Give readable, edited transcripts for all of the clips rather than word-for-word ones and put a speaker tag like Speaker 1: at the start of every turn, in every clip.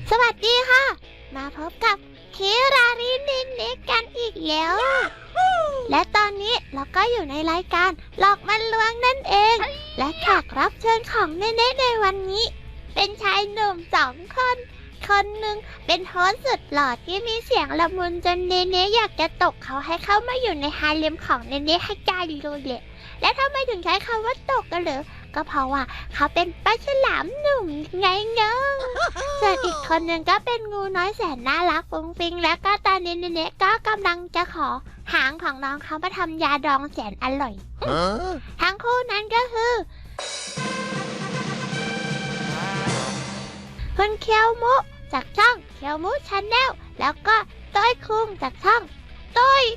Speaker 1: สวัสดีค่ะมาพบกับคิรารินินเนกันอีกแล้วและตอนนี้เราก็อยู่ในรายการหลอกมันลวงนั่นเองและแขกรับเชิญของเนเน่ในวันนี้เป็นชายหนุ่ม2 คนคนหนึ่งเป็นโฮสต์สุดหล่อที่มีเสียงละมุนจนเนเน่อยากจะตกเขาให้เข้ามาอยู่ในฮาเร็มของเนเน่ให้ได้เลยแหละและทำไมถึงใช้คำว่าตกกันเหรอก็เพราะว่าเขาเป็นปลาฉลามหนุ่มไงเนาะส่วนอีกคนหนึ่งก็เป็นงูน้อยแสนน่ารักฟุ้งฟิ้งและก็ตอนนี้เนเน่ก็กำลังจะขอหางของน้องเขามาทำยาดองแสนอร่อยทั้งคู่นั้นก็คือคุณเคียวมุจากช่องเคียวมุชาแนลแล้วก็ต้อยคุงจากช่องต้อย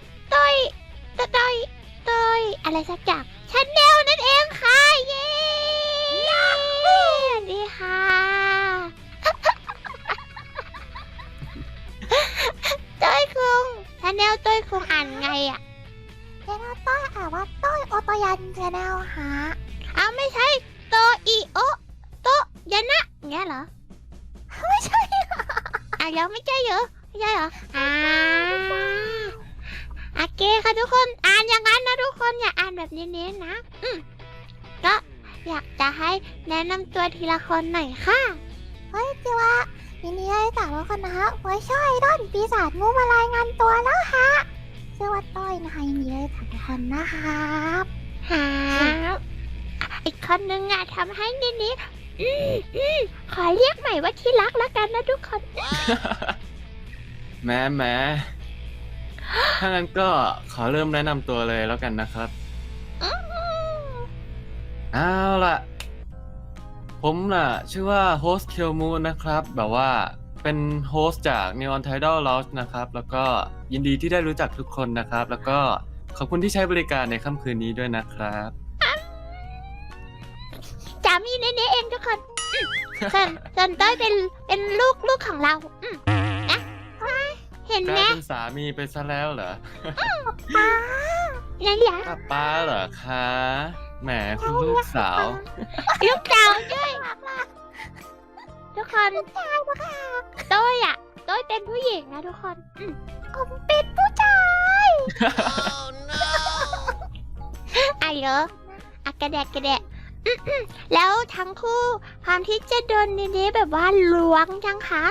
Speaker 1: อะไรสักอย่างชาแนลนั่นเองค่ะเย้สวัสดีค่ะต้อยคุงชาแนลต้อยคุงอ่านไงอ่ะชาแนลต้อยอ่านว่าต้อยโอโตยันชาแนลฮะเอาไม่ใช่โตอิโอโตยันนะเงี้ยเหรอไม่ใช่ยังไม่ใช่เหรอไม่ใช่เหรอโอเคค่ะทุกคนอ่านอย่างนั้นนะทุกคนอย่าอ่านแบบเน้นๆนะก็อยากจะให้แนะนำตัวทีละคนหน่อยค่ะเฮ้ยจิวะยินดีให้สาวทุกคนนะฮะไว้ช่วยด้นปีศาจงูมารายงานตัวแล้วฮะชื่อว่าต้อยนะคะยินดีให้สาวทุกคนนะครับอีกคนนึงทำให้นิดขอเรียกใหม่ว่าที่รักแล้วกันนะทุกคน
Speaker 2: แม้ถ้างั้นก็ขอเริ่มแนะนำตัวเลยแล้วกันนะครับเอาล่ะผมน่ะชื่อว่าโฮสต์เคียวมูนะครับ แบบว่าเป็นโฮสต์จาก Neon Tidal Lounge นะครับ แล้วก็ยินดีที่ได้รู้จักทุกคนนะครับ แล้วก็ขอบคุณที่ใช้บริการในค่ำคืนนี้ด้วยนะครับ
Speaker 1: จามีเน่เองทุกคนส่วนต้อยเป็นลูกของเรานะเห็นไหม
Speaker 2: กลายเป็นสามีไปซะแล้วเหรอ
Speaker 1: ป้านั่นแหละ
Speaker 2: ป้าเหรอคะแหมคุณลูกสาว
Speaker 1: ด้วยทุกคนต้อยเป็นผู้หญิงนะทุกคนผมเป็นผู้ชายเหรอกระแดะแล้วทั้งคู่ความที่จะโดนนี้แบบว่าล้วงจังคะ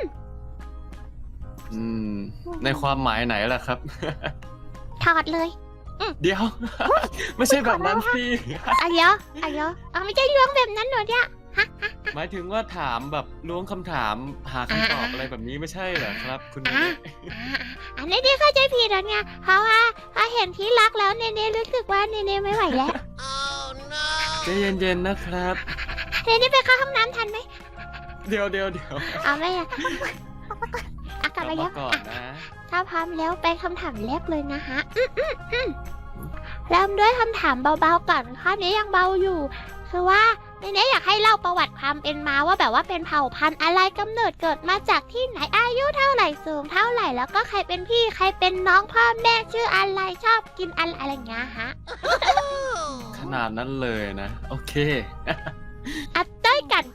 Speaker 2: ในความหมายไหนล่ะครับ
Speaker 1: ถอดเลย
Speaker 2: เดี๋ยวไม่ใช่แบบนั้นสิ
Speaker 1: เดี๋ยวไม่ใช่ล้วงแบบนั้นหรอเนี่ย
Speaker 2: หมายถึงว่าถามแบบล้วงคำถามหาคำตอบอะไรแบบนี้ไม่ใช่เหรอครับคุณเนเน่
Speaker 1: อันนี้เข้าใจผิดแล้วไงเพราะว่าเห็นที่รักแล้วเนเน่รู้สึกว่าเนเน่ไม่ไหวแล้ว
Speaker 2: ใจเย็นๆนะครับ
Speaker 1: เนเน่ไปเข้าห้องน้ำทันไหม
Speaker 2: เดี๋ยว
Speaker 1: ไม่กลับมาแล้ว
Speaker 2: ก่อนนะ
Speaker 1: ถ้าพร้อมแล้วไปคำถามแรกเลยนะฮะเริ่มด้วยคำถามเบาๆก่อนข้อนี้ยังเบาอยู่คือว่าเนเน่อยากให้เล่าประวัติความเป็นมาว่าแบบว่าเป็นเผ่าพันธุ์อะไรกำเนิดเกิดมาจากที่ไหนอายุเท่าไหร่สูงเท่าไหร่แล้วก็ใครเป็นพี่ใครเป็นน้องพ่อแม่ชื่ออะไรชอบกินอะไรอย่างเงี้ยฮะ
Speaker 2: ขนาดนั้นเลยนะโอเค
Speaker 1: ต้อยกัด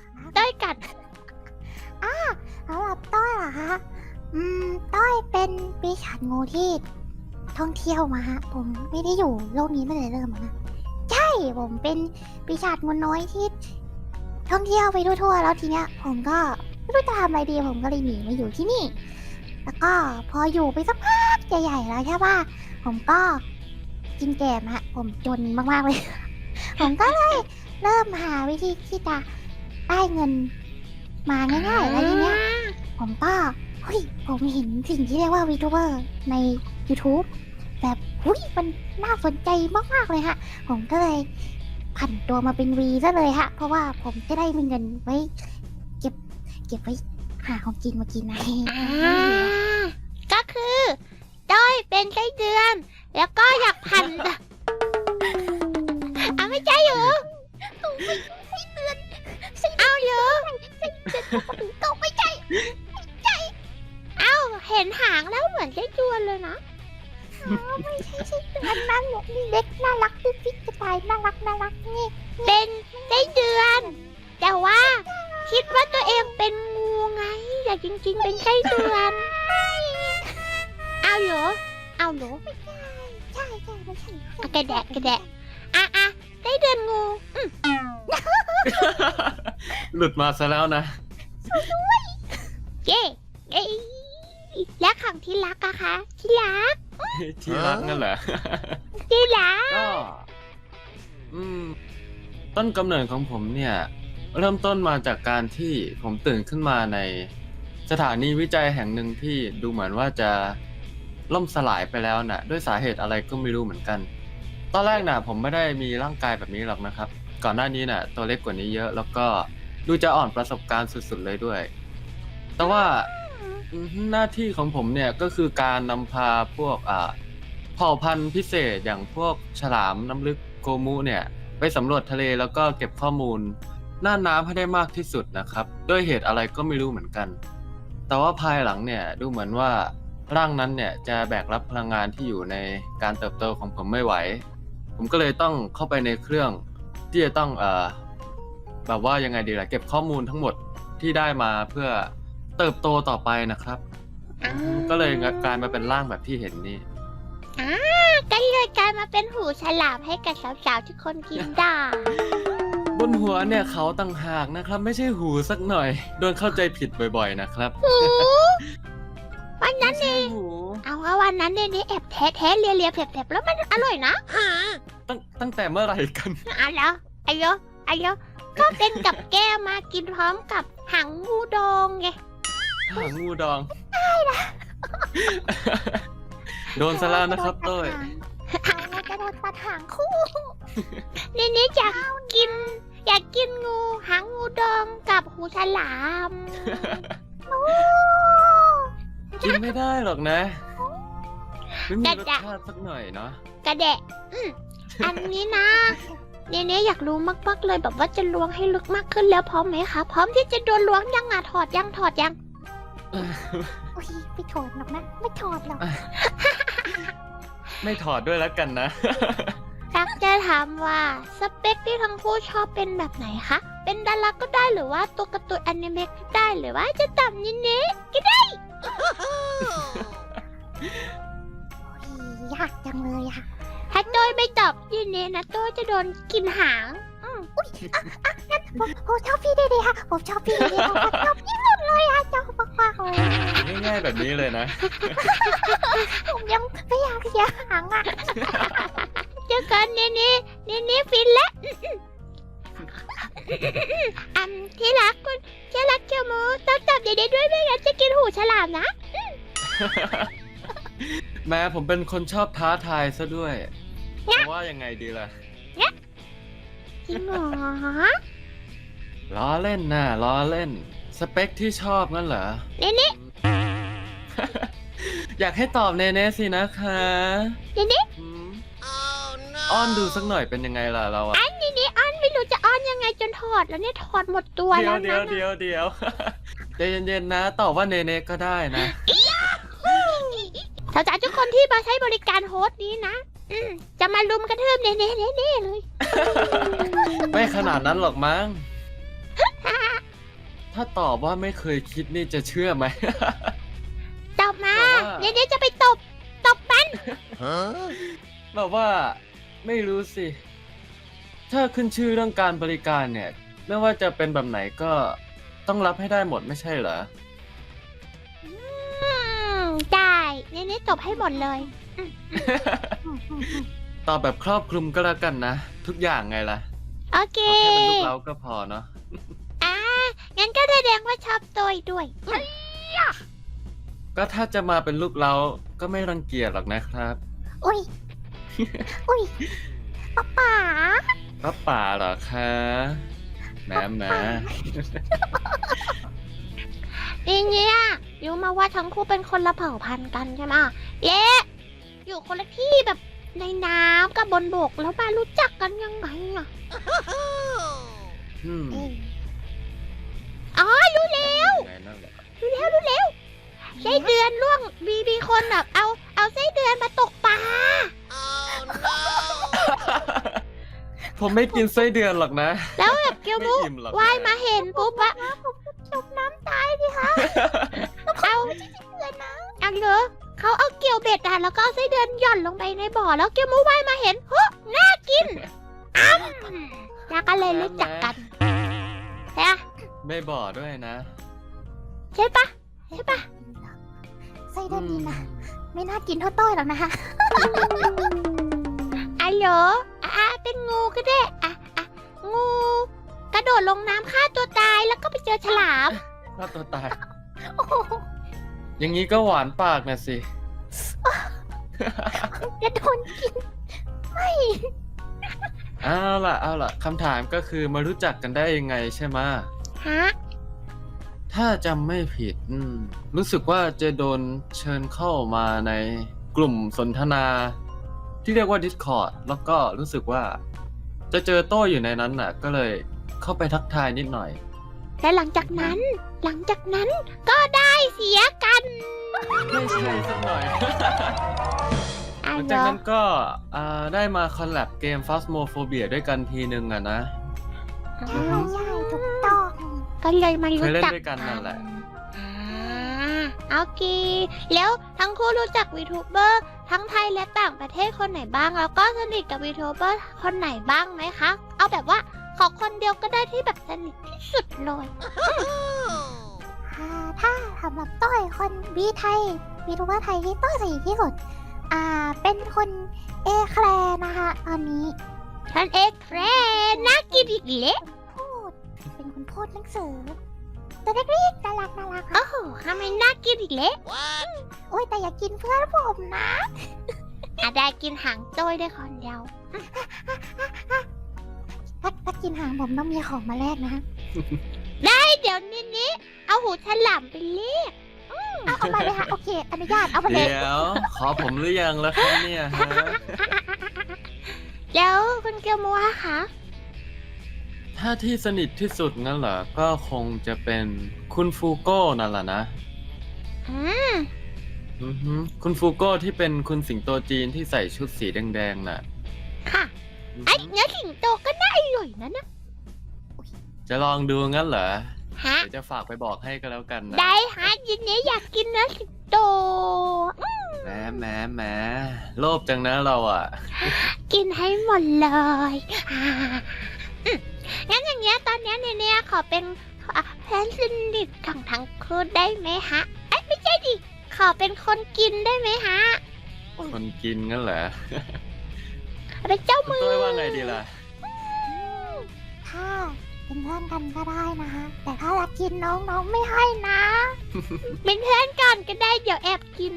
Speaker 1: เอาแบบต้อยเหรอคะต้อยเป็นปีศาจงูที่ท่องเที่ยวมาฮะผมไม่ได้อยู่โลกนี้ตั้งแต่เริ่มนะใช่ผมเป็นปีศาจงูน้อยที่ท่องเที่ยวไปทั่วๆแล้วทีเนี้ยผมก็ไม่รู้จะทำอะไรดีผมก็เลยหนีมาอยู่ที่นี่แล้วก็พออยู่ไปสักพักใหญ่ๆแล้วใช่ป่ะผมก็กินแกมฮะผมจนมากๆเลยผมก็เลยเริ่มหาวิธีที่จะได้เงินมาง่ายๆแล้วทีเนี้ยผมก็ผมเห็นสิ่งที่เรียกว่าวีทูเบอร์ใน YouTube แบบมันน่าสนใจมากๆเลยฮะผมก็เลยผันตัวมาเป็นวีซะเลยฮะเพราะว่าผมจะได้มีเงินไว้เก็บไว้หาของกินมากินนะก็คือด้อยเป็นไส้เดือนแล้วก็อยากผันไม่ใช่เหรอไส้เดือนเอาเหรอก็ไม่ใช่เห็นหางแล้วเหมือนไส้เดือนเลยนะไม่ใช่ไส้เดือนนั่นนี่เล็กน่ารักปิ๊กจะตายน่ารักนี่เป็นไส้เดือนแต่ว่าคิดว่าตัวเองเป็นงูไง
Speaker 3: อยากจริงๆเป็นไส้เดือนเอาเหรอ
Speaker 1: ใช่ไม่ใช่
Speaker 3: อ่ะกระแดะอ่ะไส้เดือนงู
Speaker 2: หลุดมาซะแล้วนะ
Speaker 3: เย้เอ้ยและของที่รักอะคะที่รัก
Speaker 2: ที่รักนั่นแหละ
Speaker 3: ที่รัก
Speaker 2: ก็ต้นกำเนิดของผมเนี่ย เริ่มต้นมาจากการที่ผมตื่นขึ้นมาในสถานีวิจัยแห่งหนึ่งที่ดูเหมือนว่าจะล่มสลายไปแล้วน่ะ ด้วยสาเหตุอะไรก็ไม่รู้เหมือนกัน ตอนแรกน่ะ ผมไม่ได้มีร่างกายแบบนี้หรอกนะครับ ก่อนหน้านี้น่ะ ตัวเล็กกว่านี้เยอะ แล้วก็ดูจะอ่อนประสบการณ์สุดๆเลยด้วย แต่ว่าหน้าที่ของผมเนี่ยก็คือการนำพาพวกเผ่าพันธุ์พิเศษอย่างพวกฉลามน้ำลึกโกมุเนี่ยไปสำรวจทะเลแล้วก็เก็บข้อมูลหน้าน้ำให้ได้มากที่สุดนะครับด้วยเหตุอะไรก็ไม่รู้เหมือนกันแต่ว่าภายหลังเนี่ยดูเหมือนว่าร่างนั้นเนี่ยจะแบกรับพลังงานที่อยู่ในการเติบโตของผมไม่ไหวผมก็เลยต้องเข้าไปในเครื่องที่จะต้องแบบว่ายังไงดีล่ะเก็บข้อมูลทั้งหมดที่ได้มาเพื่อเติบโตต่อไปนะครับก็เลยกลายมาเป็นร่างแบบที่เห็นนี่
Speaker 3: ก็เลยกลายมาเป็นหูฉลามให้กับสาวๆทุกคนกินได้
Speaker 2: บนหัวเนี่ยเขาต่างหากนะครับไม่ใช่หูสักหน่อยโดนเข้าใจผิดบ่อยๆนะครับ
Speaker 3: วันนั้นเองเอาว่าวันนั้นเนี่ยแอบแท้เลียแผลบๆแล้วมันอร่อยนะ
Speaker 2: ตั้งแต่เมื่อไหร่กัน
Speaker 3: อ่ะแล้วอายุก็เป็นกับแก้มากินพร้อมกับหางงูดองไง
Speaker 2: หางงูดองโดนซะแล้วนะครับเต้ย
Speaker 1: เราจะโดนตัดหางคู่
Speaker 3: นี่อยากกินงูหางงูดองกับหูฉลาม
Speaker 2: กินไม่ได้หรอกนะไม่มีรสชาติสักหน่อยเนาะ
Speaker 3: กระแดะอันนี้นะเนี่ยอยากรู้มากๆเลยแบบว่าจะล้วงให้ลึกมากขึ้นแล้วพร้อมไหมคะพร้อมที่จะโดนล้วงยังอ่ะถอดยัง
Speaker 1: โอ้ยไม่ถอดหรอกนะไม่ถอดหรอก
Speaker 2: ไม่ถอดด้วยแล้วกันนะ
Speaker 3: ตักจะถามว่าสเปคที่ทั้งคู่ชอบเป็นแบบไหนคะเป็นดาราก็ได้หรือว่าตัวการ์ตูนอนิเมะก็ได้หรือว่าจะต่ำนิดนี้ก็ได้
Speaker 1: ยากจังเลยอะ
Speaker 3: ถ้าโดยไม่ตอบยินนี้นะโดยจะโดนกินหาง
Speaker 1: ผมชอบพี่เดย์ค่ะผมชอบพี่เดย์ผมชอบพี่สุดเลยอะชอบมากๆเลย
Speaker 2: ง่ายๆแบบนี้เลยนะ
Speaker 1: ผมยังไม่อยากเสียหางอะ
Speaker 3: เจอกันนี่ฟินแล้วที่รักคุณที่รักเกียวมูต้องตอบเด็ดๆด้วยไม่งั้นจะกินหูฉลามนะ
Speaker 2: แม้ผมเป็นคนชอบท้าทายซะด้วยเพราะว่ายังไงดีล่ะ
Speaker 3: จริงเหรอ
Speaker 2: ล้อเล่นน่ะล้อเล่นสเปคที่ชอบงั้นเหรอ
Speaker 3: นี่
Speaker 2: อยากให้ตอบเนๆสินะคะ
Speaker 3: นี่
Speaker 2: อืมอ้อนดูสักหน่อยเป็นยังไงล่ะเราอะ
Speaker 3: นี่อ้อนไม่รู้จะอ้อนยังไงจนถอดแล้วเนี่ยถอดหมดตัวแล้วนะ
Speaker 2: เดี๋ยว ใจเย็นๆนะตอบว่าเนๆก็ได้นะ
Speaker 3: สาวๆทุกคนที่มาใช้บริการโฮสต์นี้นะจะมาลุมกระทืบเน่เลย
Speaker 2: ไม่ขนาดนั้นหรอกมั้ง ถ้าตอบว่าไม่เคยคิดนี่จะเชื่อไหม
Speaker 3: ตบมา
Speaker 2: บอกว่า
Speaker 3: เน่จะไปตบมัน
Speaker 2: แบบว่าไม่รู้สิ ถ้าขึ้นชื่อเรื่องการบริการเนี่ย ไม่ว่าจะเป็นแบบไหนก็ต้องรับให้ได้หมดไม่ใช่เหรอ
Speaker 3: ได้เน่ตบให้หมดเลย
Speaker 2: ตอบแบบครอบคลุมก็แล้วกันนะ ทุกอย่างไงล่ะ
Speaker 3: โอเค
Speaker 2: ขอแค่เป็นลูกเราก็พอเนาะ
Speaker 3: งั้นก็แสดงว่าชอบตัวด้วย
Speaker 2: ก็ถ้าจะมาเป็นลูกเราก็ไม่รังเกียจหรอกนะครับ
Speaker 1: อุ้ยป๊าป๋า
Speaker 2: ป้าป่าเหรอคะแหม
Speaker 3: เนี่ยรู้มาว่าทั้งคู่เป็นคนละเผ่าพันธุ์กันใช่ไหมอยู่คนละที่แบบในน้ำกับบนบกแล้วมารู้จักกันยังไงอ่ะ อ๋อรู้แล้ว
Speaker 2: ไงนั่นแหละ
Speaker 3: ไส้เดือนล่วงมีคนแบบเอาไส้เดือนมาตกปลา
Speaker 2: ผมไม่กินไส้เดือนหรอกนะ
Speaker 3: แล้วแบบเกียวมุ
Speaker 2: ไม่อิ่มหรอก
Speaker 3: ว่ายมาเห็นปุ๊บว่า
Speaker 1: จมน้ำตายดิคะ
Speaker 3: อันเหรอเขาเอาเกี่ยวเบ็ดแล้วก็เอาไส้เดือนหย่อนลงไปในบ่อแล้วเกียวมูว่ายมาเห็นเฮ้น่ากินแล้วก็เลยรู้จักกันใช่ปะ
Speaker 2: ไม่บอกด้วยนะ
Speaker 3: ใช่ปะใช่ปะ
Speaker 1: ไส้เดือนนี้นะไม่น่ากินเท่าต้อยหรอกนะคะ
Speaker 3: อันเหรอเป็นงูก็ได้งูกระโดดลงน้ำฆ่าตัวตายแล้วก็ไปเจอฉลาม
Speaker 2: ฆ่าตัวตาย
Speaker 1: โอ้โห
Speaker 2: อย่างนี้ก็หวานปากนะสิ
Speaker 1: จะโดนกิน
Speaker 2: เอาล่ะคำถามก็คือมารู้จักกันได้ยังไงใช่ไหมะ
Speaker 3: ฮะ
Speaker 2: ถ้าจำไม่ผิดรู้สึกว่าจะโดนเชิญเข้ามาในกลุ่มสนทนา ที่เรียกว่า Discord แล้วก็รู้สึกว่า จะเจอโต้อยู่ในนั้นน่ะ ก็เลยเข้าไปทักทายนิดหน่อย
Speaker 3: และหลังจากนั้นก็ได้เสียกัน
Speaker 2: ไม่ใช่สักหน่อย ห
Speaker 3: อั
Speaker 2: ลั
Speaker 3: น
Speaker 2: ง
Speaker 3: เหร
Speaker 2: จาก
Speaker 3: อ
Speaker 2: นั้นก็ได้มาคอลแลบเกม Phasmophobia ด้วยกันทีนึงอะนะ
Speaker 1: ใช่ใช่ถูกต้อง
Speaker 3: ก็เลยมารู้
Speaker 2: เคยเล่น
Speaker 3: จัก
Speaker 2: ด้วยกันนั่นแหละ
Speaker 3: โอเคแล้วทั้งคู่รู้จักวีทูเบอร์ทั้งไทยและต่างประเทศคนไหนบ้าง แล้วก็สนิทกับวีทูเบอร์คนไหนบ้างไหมคะ เอาแบบว่าขอคนเดียวก็ได้ที่แบบสนิทที่สุดเลย
Speaker 1: ถ้าสำหรับต้อยคนวีไทยวีทูเบอร์ไทยที่ต้อยสนิทที่สุดเป็นคนเอแคลร์นะคะ ตอนนี้
Speaker 3: ท่านเอกแครน่ากินอีกเละ
Speaker 1: พูดเป็นคนพูดหนังสือตัวเล็กๆน่ารักน่ารัก
Speaker 3: โอ้โหทำไมน่ากินอีกเละ
Speaker 1: โอ้ยแต่อย่ากินเพื่อนผมนะ
Speaker 3: ได้กินหางโจ้ยได้คนเดียว
Speaker 1: ถ้ากินหางผมต้องมีของมาแลกนะ
Speaker 3: เดี๋ยวนี้เอาหูฉลามไปเรียก
Speaker 1: เอามาเลยค่ะโอเค อนุญาตเอามาเลย
Speaker 2: เดี๋ยว ขอผมหรือยังแล้วครับเนี่ยฮะ
Speaker 3: แล้วคุณเกียวมัวคะ
Speaker 2: ถ้าที่สนิทที่สุดงั้นเหรอ ก็คงจะเป็นคุณฟูโก้นั่นแหละนะ
Speaker 3: อืม
Speaker 2: อือฮึคุณฟูโก้ที่เป็นคุณสิงโตจีนที่ใส่ชุดสีแดงๆน่ะ
Speaker 3: ค่ะ
Speaker 2: อือ
Speaker 3: ไอ้
Speaker 2: ฮึ
Speaker 3: เนื้อสิงโตก็น่าอร่อยนะ
Speaker 2: จะลองดูงั้นเหรอ
Speaker 3: ฮะ
Speaker 2: เดี๋ยวจะฝากไปบอกให้ก็แล้วกันนะ
Speaker 3: ได้ฮะยินดีอยากกินเนื้อสิงโต
Speaker 2: แหมโลภจังนะเราอ่ะ
Speaker 3: กินให้หมดเลยงั้นอย่างเงี้ยตอนเนี้ยเนี่ยขอเป็นแฟนสนิทของทั้งคู่ได้ไหมฮะเอ้ยไม่ใช่ดิขอเป็นคนกินได้ไหมฮะ
Speaker 2: คนกินงั้นเหรอ
Speaker 3: เป็นเจ้า
Speaker 2: คุณ
Speaker 3: มือ
Speaker 2: ต้อยว่าไงดีล่ะ
Speaker 1: ถ้าเป็นเพื่อนกันก็ได้นะคะ แต่ถ้าอยากกินน้องไม่ให้นะ
Speaker 3: เป็นเพื่อนกันก็ได้เดี๋ยวแอบกิน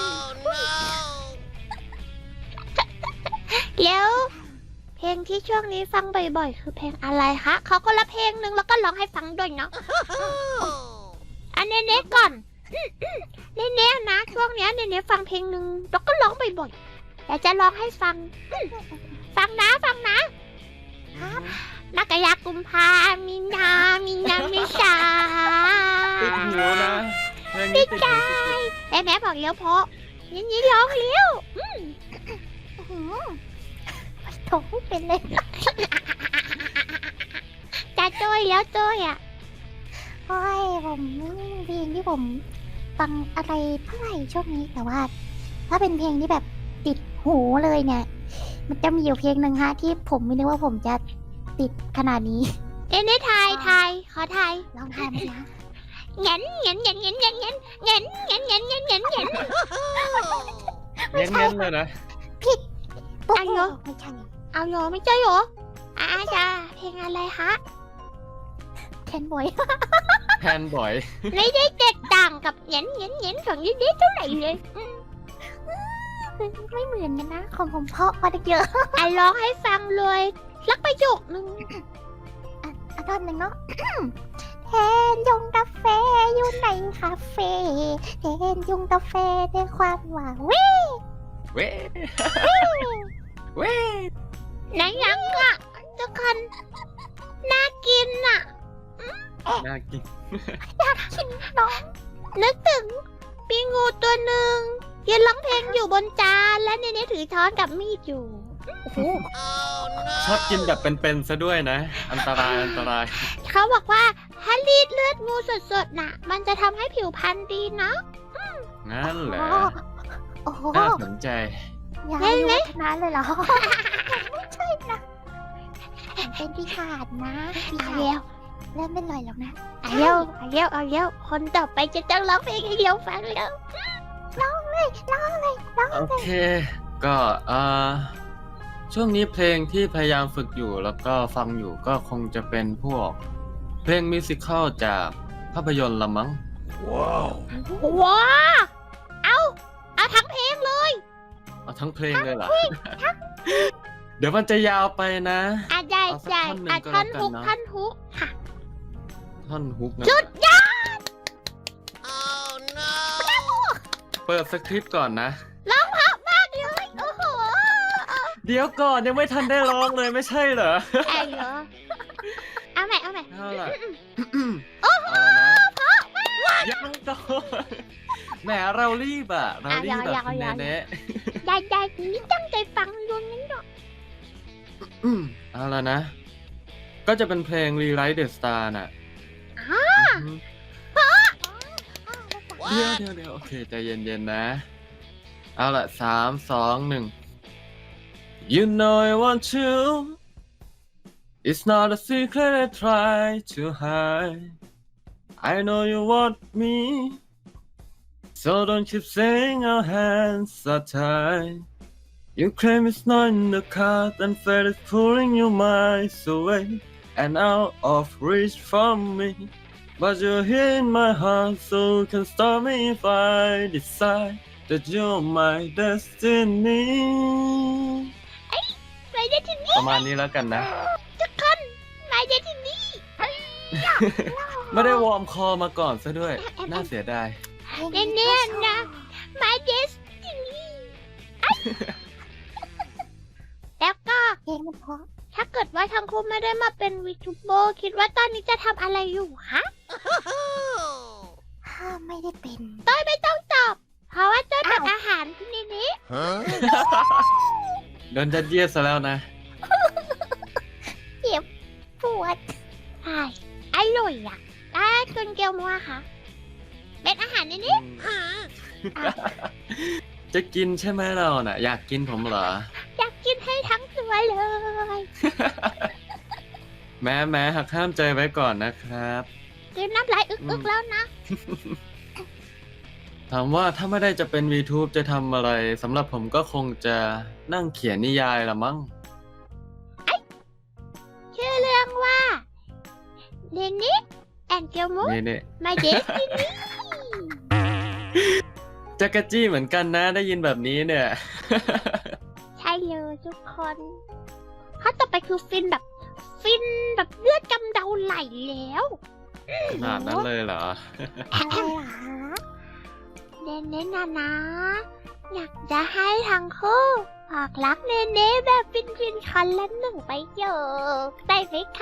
Speaker 3: แล้วเพลงที่ช่วงนี้ฟังบ่อยๆ คือเพลงอะไรคะเขาก็ละเพลงหนึ่งแล้วก็ร้องให้ฟังด้วยเนาะ อันเน่ๆก่อนเน่ๆนะช่วงเนี้ยเน่ๆฟังเพลงหนึ่งแล้วก็ร้องบ่อยๆแต่จะร้องให้ฟัง ฟังนะนักกายากุมภามีนามิชา
Speaker 2: ติดหูนะเพลงนี้ติดหูสุด
Speaker 3: แต่แม่บอกเลี้ยวเพราะนี่ร้องเลี้ยว
Speaker 1: อื้อหือโถไม่เป็นเลย
Speaker 3: จะโจ้ยแล้วโจ้ยอ่ะ
Speaker 1: โอ้ยผมไม่มีเพลงที่ผมฟังอะไรเท่าไหร่ช่วงนี้ แต่ว่า ถ้าเป็นเพลงที่แบบติดหูเลยเนี่ย มันจะมีอยู่เพลงหนึ่งฮะที่ผมไม่นึกว่าผมจะติดขนาดนี้
Speaker 3: เอ็นได้ทายขอทาย
Speaker 1: ลองทายไหมนะ
Speaker 3: เงี้ยน
Speaker 2: ๆเน้นๆเลยนะ
Speaker 1: ปุ๊บ
Speaker 3: อันเหรอ
Speaker 1: ไม่ใช่
Speaker 3: เอาเหรอไม่ใช่เหรอจ้าเพลงอะไรคะ
Speaker 1: แคนบอย
Speaker 2: แทนบ่อย
Speaker 3: ไม่ได้แตกต่างกับเงี้ยนของยี่เด็เท่าไหร่เลย
Speaker 1: ไม่เหมือนกันนะ ของผมเพราะกว่าเยอะ
Speaker 3: ร้องให้ฟังเลยสักประโยคนึง
Speaker 1: อ่ะท่อนหนึ่งเนาะ แทนยงกาแฟอยู่ในคาเฟ่แทนยงกาแฟด้วยความหวานวิ
Speaker 2: เว้เว้
Speaker 3: ไหนยังอ่ะทุกคนน่ากินอ่ะ
Speaker 2: น่ากิน
Speaker 1: กินน้อง
Speaker 3: นึกถึงปีงูตัวหนึ่งยืนร้องเพลงอยู่บนจานและเนถือช้อนกับมีดอยู่
Speaker 2: ชอบกินแบบเป็นๆซะด้วยนะ อันตราย
Speaker 3: เขาบอกว่าถ้ารีดเลือดงูสดๆน่ะ มันจะทำให้ผิวพรรณดีเนาะ
Speaker 2: งั้นเหรอ
Speaker 1: โอ้โห
Speaker 2: น่าสนใจ
Speaker 1: ยายอายุวัฒนะเลยเหรอ ไม่ใช่นะผมเป็นปีศาจนะปี
Speaker 3: เอา
Speaker 1: ศา
Speaker 3: เร็ว
Speaker 1: จเริ่มไม่ลอยแล้วนะ
Speaker 3: เอาเร็วเอาเร็วเอาเร็วคนต่อไปจะต้องร้องเพลงให้เราฟังแล้ว
Speaker 1: ร้องเลยร้องเลยร้อง
Speaker 2: โอเค ก็ช่วงนี้เพลงที่พยายามฝึกอยู่แล้วก็ฟังอยู่ก็คงจะเป็นพวกเพลงมิวสิคัลจากภาพยนตร์ละมั้ง
Speaker 3: ว้าเอาทั้งเพลงเลย
Speaker 2: เอาทั้งเพลงเลยเหรอ เดี๋ยวมันจะยาวไปนะ
Speaker 3: ได้
Speaker 2: เอาสัก
Speaker 3: ได้
Speaker 2: ท่อนหนึ่งก็
Speaker 3: ท่อน
Speaker 2: แล้วกัน
Speaker 3: ฮุก
Speaker 2: เนอะ
Speaker 3: ท่อนฮุกค่ะ
Speaker 2: ท่อนฮุกนะ
Speaker 3: สุดยอด
Speaker 2: เปิดสคริปต์ก่อนนะ
Speaker 3: ร้องเพราะมากเลยโอ้โห
Speaker 2: เดี๋ยวก่อนยังไม่ทันได้ร้องเลยไม่ใช่เหรอ
Speaker 3: ไอ้เหรอเอาใหม่เอาใหม่
Speaker 2: เอาล่ะเอาแล้วนะยังต่อแหมเรารีบอ่ะ เรารีบแบบคุณแน่
Speaker 3: ได้นี่ตั้งใจฟังดวงนั้นหรอก
Speaker 2: ๆเอาละนะ ก็จะเป็นเพลง Rewrite the Star น่ะเดี๋ยวโอเคใจเย็นๆนะ เอาละ3 2 1 You know I want you It's not a secret I try to hide I know you want me So don't keep saying our hands are tied You claim it's not in the card and fate is pulling your minds away and out of reach from me But you're here in my heart so you can stop me if I decide that you're my destiny
Speaker 3: ไม่ได้ที่นี่
Speaker 2: ประมาณนี้แล้วกันนะ
Speaker 3: ทุกคนไม่ได้ที่นี่
Speaker 2: ไม่ได้วอร์มคอมาก่อนซะด้วย น่าเสียดาย
Speaker 3: แน่ๆนะ My Destiny แล้วก็
Speaker 1: เพลงมันเพราะ
Speaker 3: ถ้าเกิดว่าทั้งคู่ไม่ได้มาเป็นวีทูเบอร์คิดว่าตอนนี้จะทำอะไรอยู่คะ
Speaker 1: ถ้าไม่ได้เป็น
Speaker 3: ต้อยไม่ต้องตอบ เพราะว่าต้อยเป็นอาหารคุณนี่นี้
Speaker 2: โดนจัดเยียดซะแล้วนะ
Speaker 1: ปวด
Speaker 3: อร่อยอ่ะถ้าคุณเกียวมัวคะเป็นอาหารนี่นี้
Speaker 2: จะกินใช่ไหมเราน่ะ อยากกินผมเหรอ
Speaker 3: อยากกินให้ทั้งตัวเลย
Speaker 2: แม้หักห้ามใจไว้ก่อนนะครับ
Speaker 3: กินน้ำลายอึกๆแล้วนะ
Speaker 2: ถามว่าถ้าไม่ได้จะเป็น VTube จะทำอะไรสำหรับผมก็คงจะนั่งเขียนนิยายละมั้ง
Speaker 3: ชื่อเรื่องว่าเดนนิสแอนเกียวมุ
Speaker 2: นี่
Speaker 3: My Destiny
Speaker 2: จักรจี้เหมือนกันนะได้ยินแบบนี้เนี่ย
Speaker 3: ใช่เลยทุกคนข้อต่อไปคือฟินแบบเลือดกำเดาไหลแล้ว
Speaker 2: ขนาดนั้นเลยเหรอ
Speaker 1: อะไรเหรอคะ
Speaker 3: เนเน่นะอยากจะให้ทั้งคู่บอกรักเนเน่แบบฟินๆคันละหนึ่งประโยคได้ไหมคะ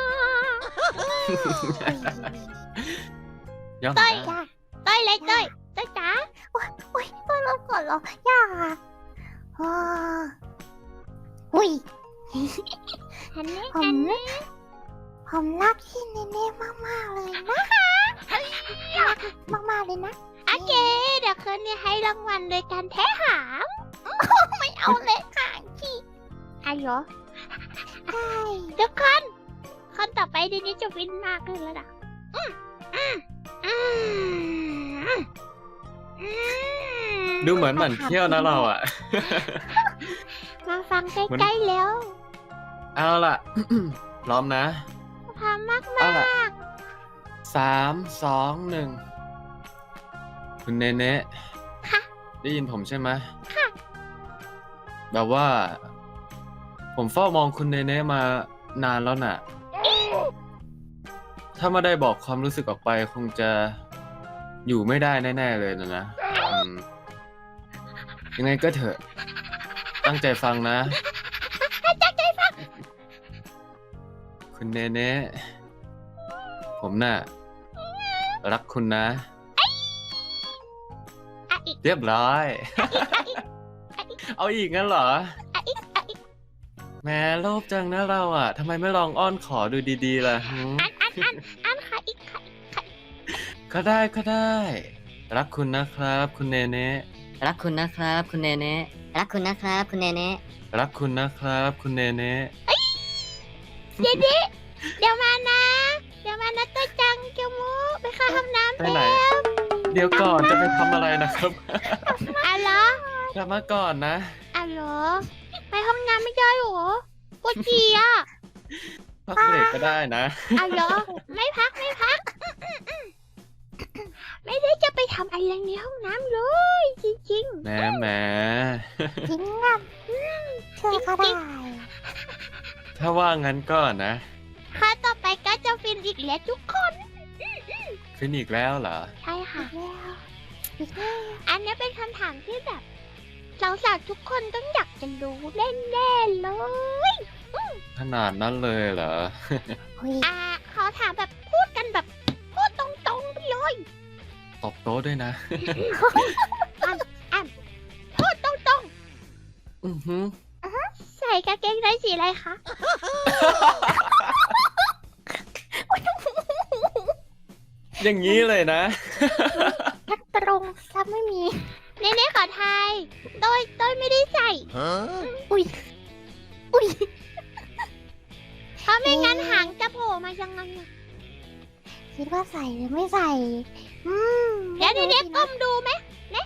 Speaker 2: ยอม
Speaker 3: เต้ย
Speaker 2: ได้
Speaker 3: เต้ยเลยเต้ยจ๋า
Speaker 1: อุ้ยต้องรบก่อนเหรอยากอ่ะอ๋ออุ้ย
Speaker 3: ฮันนี่
Speaker 1: ผมรักพี่เนเน่มากๆเลยนะรักมากๆเลยนะ
Speaker 3: โอเคเดี๋ยวคืนนี้ให้รางวัลโดยการแท้หาง
Speaker 1: ไม่เอาเลยค่ะพี่
Speaker 3: อายุ
Speaker 1: ได้
Speaker 3: ทุกคนคนต่อไปเดนนี่จะฟินมากขึ้นแล้วนะอืม
Speaker 2: ดูเหมือนหมั่นเที่ยวนะเราอ่ะ
Speaker 3: มาฟังใกล้ๆแล้ว
Speaker 2: เอาล่ะ พร้อมนะ
Speaker 3: พร้อมมาก
Speaker 2: เอาล่ะ3 2 1 คุณเนเน่
Speaker 3: ค่ะ
Speaker 2: ได้ยินผมใช่ไหม
Speaker 3: ค่ะ
Speaker 2: แบบว่า ผมเฝ้ามองคุณเนเน่มานานแล้วน่ะ ถ้าไม่ได้บอกความรู้สึกออกไปคงจะอยู่ไม่ได้แน่ๆเลยนะยังไงก็เถอะ ตั้งใจฟังนะ
Speaker 3: ตั้งใจฟัง
Speaker 2: คุณเนเน่ผมน่ะ รักคุณนะ
Speaker 3: อีก
Speaker 2: เรียบร้อย เอาอีกงั้นเหรอ
Speaker 3: อีก
Speaker 2: แหม่โลภจังนะเราอ่ะทำไมไม่ลองอ้อนขอดูดีๆล่ะหืม
Speaker 3: อันค่ะอีกค่ะ
Speaker 2: ก็ได้รักคุณนะครับ คุณเนเน่
Speaker 4: รักคุณนะครับ คุณเนเน่รักคุณนะครับ คุณเนเน่
Speaker 2: รักคุณนะครับ คุณเนเน่
Speaker 3: เดี๋ยวมานะตัวจังเกียวมูไปเข้าห้องน้ำ
Speaker 2: ไปไหน เดี๋ยวก่อนจะไปทำอะไรนะครับ
Speaker 3: อะเหรอก
Speaker 2: ลับมาก่อนนะ
Speaker 3: อะเหรอไปห้องน้ำไม่ได้หรอปวดฉี่อ่ะ
Speaker 2: พักเบรกก็ได้นะ
Speaker 3: อะเหรอไม่พัก ไม่ได้จะไปทำอะไรในห้องน้ำเลยจริง
Speaker 2: แหมแหม
Speaker 1: จริงอ่ะเชื่อก็ได้
Speaker 2: ถ้าว่างั้นก็นะ
Speaker 3: ๆค่ะต่อไปก็จะฟินอีกแล้วทุกคน
Speaker 2: ฟินอีกแล้วเหรอ
Speaker 3: ใช่ค่ะ
Speaker 1: แล้วอีกแล้ว
Speaker 3: อันนี้เป็นคำถามที่แบบสาวๆทุกคนต้องอยากจะรู้แน่ๆเลย
Speaker 2: ขนาดนั้นเลยเหรอ
Speaker 1: เฮ้ย
Speaker 3: ขอถามแบบพูดกันแบบพูดตรงๆไปเลย
Speaker 2: ตบโต๊ะด้วยนะ
Speaker 3: พูดตรง
Speaker 2: อือหือ
Speaker 3: ๆใส่กางเกงในสีอะไรคะ
Speaker 2: อย่างนี้เลยนะ
Speaker 1: ทักตรงซะไม่มี
Speaker 3: เน่ๆขอทายต้อยไม่ได้ใส่
Speaker 1: อุ้ย อุ้ย
Speaker 3: เพราะไม่งั้นหางจะโผล่มายังไงอะ
Speaker 1: คิดว่าใส่หรือไม่ใส่
Speaker 3: เดี๋ยวเน่ๆก้มดูไหมเนี่ย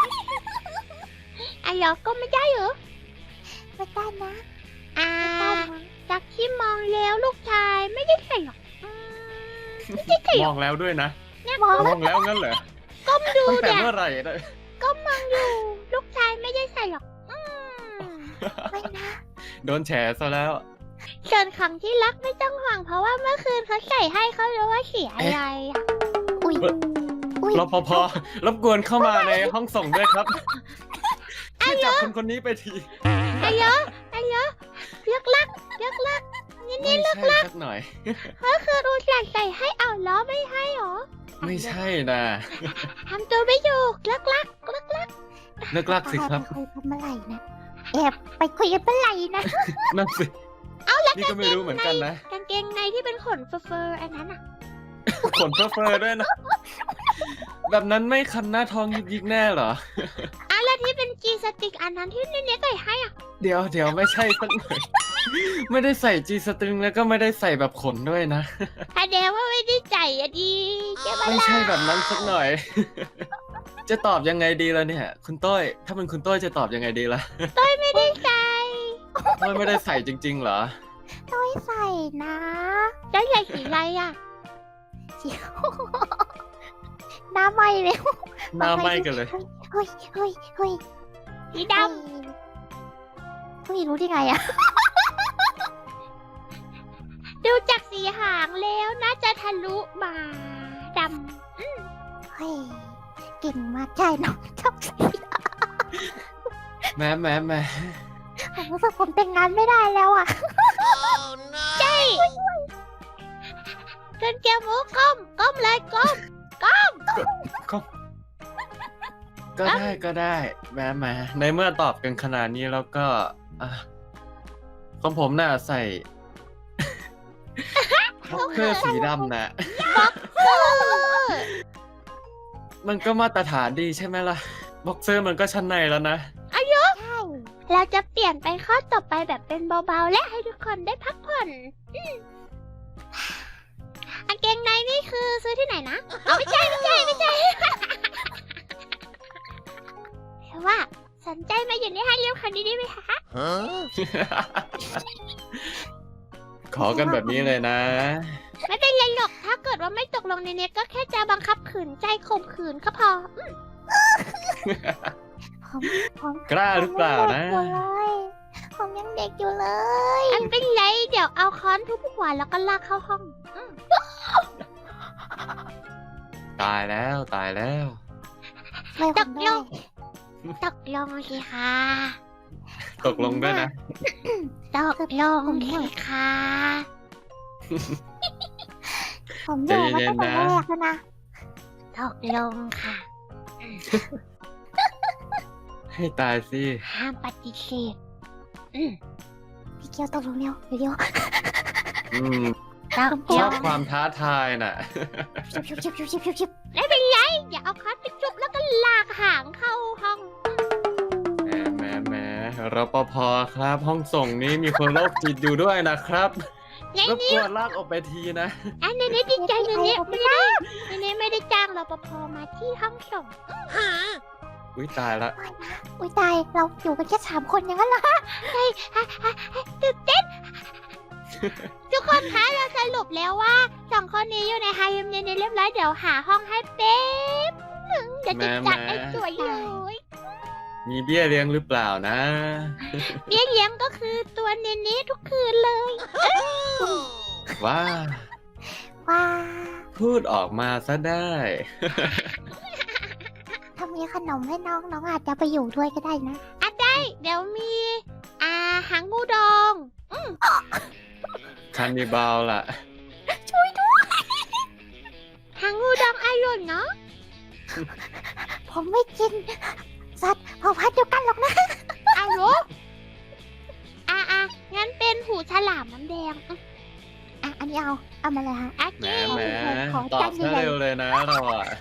Speaker 3: อ่ะเหรอก้มไม่ได้เหรอ
Speaker 1: ไม่ได้นะ
Speaker 3: อ่า
Speaker 1: ไม่ได้นะ
Speaker 3: จากที่มองแล้วลูกชายไม่ได้ใส่หรอกไม่ได้ใส่ห
Speaker 2: ม
Speaker 3: ร
Speaker 2: อ
Speaker 3: อก
Speaker 2: งแล้วด้วยนะ
Speaker 1: มอง
Speaker 2: มองแล้วงั้นเหรอ
Speaker 3: ก้มดู
Speaker 2: ตั้งแต่
Speaker 3: เนี่ย
Speaker 2: เมื่อไหร่นะ
Speaker 3: ก้มมองอยู่ลูกชายไม่ได้ใส่หรอก
Speaker 1: ไม่นะ
Speaker 2: โดนแฉซะแล้ว
Speaker 3: ส่วนของที่รักไม่ต้องห่วงเพราะว่าเมื่อคืนเขาใส่ให้เขารู้ว่าสีอะไรอ่ะ
Speaker 1: อุ้ย อุ้ย
Speaker 2: รปภรบกวนเข้ามาในห้องส่งด้วยครับช่วยจับคนนี้ไปที
Speaker 3: ไอ้เยอะเลือกลักนี่
Speaker 2: ไม่ใช่สักหน่อย
Speaker 3: ก็คือรู้จักใส่ให้เอาล้อไม่ให้หรอ
Speaker 2: ไม่ใช่นะ
Speaker 3: ทำตัวไม่ถูกเลือกลัก
Speaker 2: เลิกลากสิครับ
Speaker 1: ไปคุยกันเมื่อไหร่นะแอบไปคุยกันเมื่อไหร่นะ
Speaker 2: นั่นสินี่ก็ไม่รู้เหมือนกันนะ
Speaker 3: กางเกงในที่เป็นขนเฟอร์อันนั้นอ่ะ
Speaker 2: ขนเฟ้อๆด้วยนะ แบบนั้นไม่คันหน้าท้องยิกๆแน่เหรอ
Speaker 3: แล้วที่เป็นจีสติกอันนั้นที่เนใส่ให้อ่ะ
Speaker 2: เดี๋ยวไม่ใช่สักหน่อย ไม่ได้ใส่จีสตริงแล้วก็ไม่ได้ใส่แบบขนด้วยนะ
Speaker 3: แสดงว่าไม่ได้ใจอะดีใช่ไหม
Speaker 2: ไม่
Speaker 3: ล่ะ
Speaker 2: ใช่แบบนั้นสักหน่อย จะตอบยังไงดีล่ะเนี่ย คุณต้อย ถ้าเป็นคุณต้อยจะตอบยังไงดีล่ะ
Speaker 3: ไม่ได้ใจ
Speaker 2: ต้อยไม่ได้ใส่จริงๆเหรอ
Speaker 1: ไม่ใส่นะ
Speaker 3: แล้วใส่สีอะไรอ่ะ
Speaker 1: เสียว หน้าไหม้เลย
Speaker 2: หน้าไหม้กันเลย
Speaker 1: เฮ้ย
Speaker 3: สีด
Speaker 1: เฮ้ยรู้ได้ไงอะ
Speaker 3: ำดูจากสีหางแล้วน่าจะทะลุมาด
Speaker 1: เฮ้ย เก่งมากใช่น้องชอบใส่
Speaker 2: แหม
Speaker 1: ผมรู้สึกผมแต่งงานไม่ได้แล้วอะ
Speaker 3: ำใช่เกินเกียวหมูก้มเลยก้ม
Speaker 2: ก็ได้แหมในเมื่อตอบกันขนาดนี้แล้วก็อ่ะของผมน่ะใส่ บ็อกเกอร์สีดำนะ มันก็มาตรฐานดีใช่ไหมล่ะ บ็อกเซอร์มันก็ชั้นในแล้วนะ
Speaker 1: ใช่
Speaker 3: เราจะเปลี่ยนไปข้อต่อไปแบบเป็นเบาๆ และให้ทุกคนได้พักผ่อนกางเกงในนี่คือซื้อที่ไหนนะเอาไม่ใช่ แต่ว่าสนใจมาอยู่ในให้เร็วคันนี้ได้ไหมคะ
Speaker 2: ขอกันแบบนี้เลยนะ
Speaker 3: ไม่เป็นไรหรอกถ้าเกิดว่าไม่ตกลงในเน็ตก็แค่จะบังคับขืนใจข่มขืนก็พอ
Speaker 1: ผม
Speaker 2: กล้าหรือเปล่านะ
Speaker 1: ผมยังเด็กอยู่เลย
Speaker 3: อันเป็นไรเดี๋ยวเอาค้อนทุบหัวแล้วก็ลากเข้าห้อง
Speaker 2: ตายแล้ว
Speaker 1: ไม่ผมไม่
Speaker 3: ตกลงสิคะ
Speaker 2: ตกลงด้วยนะ
Speaker 3: ตกลงสิคะ
Speaker 1: ผมอยากมาตั้งแต่แรกแล้วนะ
Speaker 3: ตกลงค่ะ
Speaker 2: ให้ตายสิ
Speaker 3: ห้ามปฏิเสธ
Speaker 1: พี่เกียวตกลงเร็วเดี๋ยว
Speaker 2: อืม
Speaker 3: ตก
Speaker 2: ช
Speaker 3: ล
Speaker 2: อบ
Speaker 3: ง
Speaker 2: ความท้าทายน่ะ
Speaker 1: ชิบ
Speaker 3: ไม่เป็นไรอย่าเอาค้อนไปจุบ
Speaker 2: ภครับ ห้องส่งนี้มีคนโรคจิตอยู่ด้วยนะครับ
Speaker 3: ไง
Speaker 2: รบ
Speaker 3: นี่
Speaker 2: กวนลากออกไปทีนะ
Speaker 3: อันนี้ดีใจเนี้
Speaker 1: ผมไม่
Speaker 3: ไม่ได้จ้างรปภมาที่ห้องส่ง
Speaker 2: อุ้ยตายละ
Speaker 1: อุ้ยตายเราอยู่กันแค่3 คนอย่างนั้นเหรอ
Speaker 3: ตื่นเต้น ทุกคนคะเราสรุปแล้วว่า2 คนนี้อยู่ในไฮเอ็มเนเรียบร้อยเดี๋ยวหาห้องให้เป๊บนึงเดี๋ยวจะจัดให้สวยเลย
Speaker 2: มีเบี้ยเลี้ยงหรือเปล่านะ
Speaker 3: เบี้ยเลี้ยงก็คือตัวเนเน่ทุกคืนเลย
Speaker 2: ว้า
Speaker 1: ว้า
Speaker 2: พูดออกมาซะได้
Speaker 1: ถ้ามีขนมให้น้องน้องอาจจะไปอยู่ด้วยก็ได้นะ
Speaker 3: เดี๋ยวมีหางงูดอง
Speaker 2: คันนิบาลล่ะ
Speaker 3: หางงูดองอร่อยเนาะ
Speaker 1: ผมไม่กินสัตว์เผ่าพันธุ์เดียวกันหรอกนะ
Speaker 3: เอาเหรองั้นเป็นหูฉลามน้ำแดง
Speaker 1: อันนี้เอามาเลยฮะ
Speaker 2: แหม
Speaker 3: เก๋
Speaker 2: แหม
Speaker 1: ขอ
Speaker 2: ตอ
Speaker 1: จา
Speaker 2: บ
Speaker 1: น
Speaker 2: ซะ
Speaker 1: ใหญ่ๆ
Speaker 2: เร็วเลยนะเราอ่ะ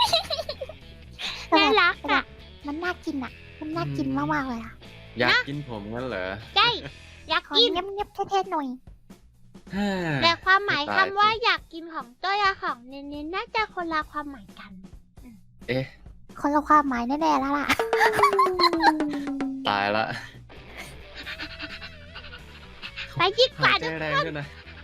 Speaker 3: น่ารักอ่ะ
Speaker 1: มันน่ากินอ่ะ มันน่ากินมากๆเลยอ่ะ
Speaker 2: อยากกินผมงั้นเหรอ
Speaker 3: ใช่อยาก
Speaker 1: ขอ
Speaker 3: กิน
Speaker 1: เงียบๆเท่ๆหน่อย
Speaker 3: แต่ความหมาย
Speaker 2: ไม่
Speaker 3: คำ
Speaker 2: ตาย
Speaker 3: ว่าอยากกินของเต้ยกับของเนเน่น่าจะคนละความหมายกัน
Speaker 2: เอ๊ะ
Speaker 1: คนละความหมายแน่ๆแล้วล่ะ
Speaker 2: ตายละ
Speaker 3: ไปดีกว่า
Speaker 2: ใจแรงด้วยนะ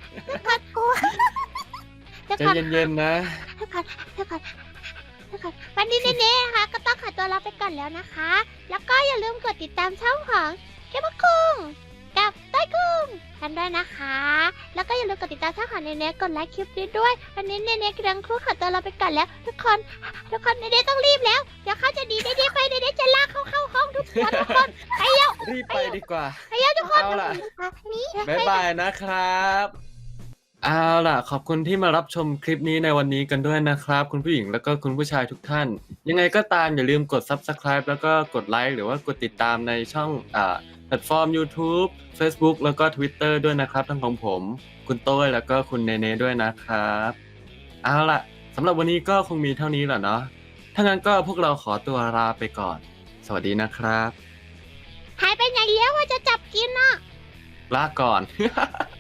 Speaker 3: ทุก
Speaker 2: ใจ
Speaker 3: คน
Speaker 2: เย็นๆนะ
Speaker 3: ทุกคนวันนี้เนเน่นะคะก็ต้องขอตัวลาไปก่อนแล้วนะคะ แล้วก็อย่าลืมกดติดตามช่องของเก็บคุงกับเต้ยคุงกันด้วยนะคะ แล้วก็อย่าลืมกดติดตามช่องของเนเน่กดไลค์คลิปนี้ด้วยวันนี้เนเน่กำลังครู่ขอตัวลาไปก่อนแล้ว ทุกคนเนเน่ต้องรีบแล้วเดี๋ยวเขาจะดีเนเน่ไปเนเน่จะลากเข้าห้องทุกคนไปเร็ว
Speaker 2: รีบไปดีกว่า
Speaker 3: ไปเร็วทุกคน
Speaker 2: เอาล่ะ
Speaker 1: นี่
Speaker 2: บ๊ายบายนะครับ เอาล่ะ ขอบคุณที่มารับชมคลิปนี้ในวันนี้กันด้วยนะครับ คุณผู้หญิงแล้วก็คุณผู้ชายทุกท่าน ยังไงก็ตามอย่าลืมกด Subscribe แล้วก็กดไลค์หรือว่ากดติดตามในช่องแพลตฟอร์ม YouTube Facebook แล้วก็ Twitter ด้วยนะครับ ทั้งของผม คุณโต้ยแล้วก็คุณเนเน่ด้วยนะครับ เอาล่ะสำหรับวันนี้ก็คงมีเท่านี้แหละเนาะถ้างั้นก็พวกเราขอตัวลาไปก่อน สวัสดีนะครับ
Speaker 3: หายไปไหนแล้วว่าจะจับกินอ่ะ
Speaker 2: ลาก่อน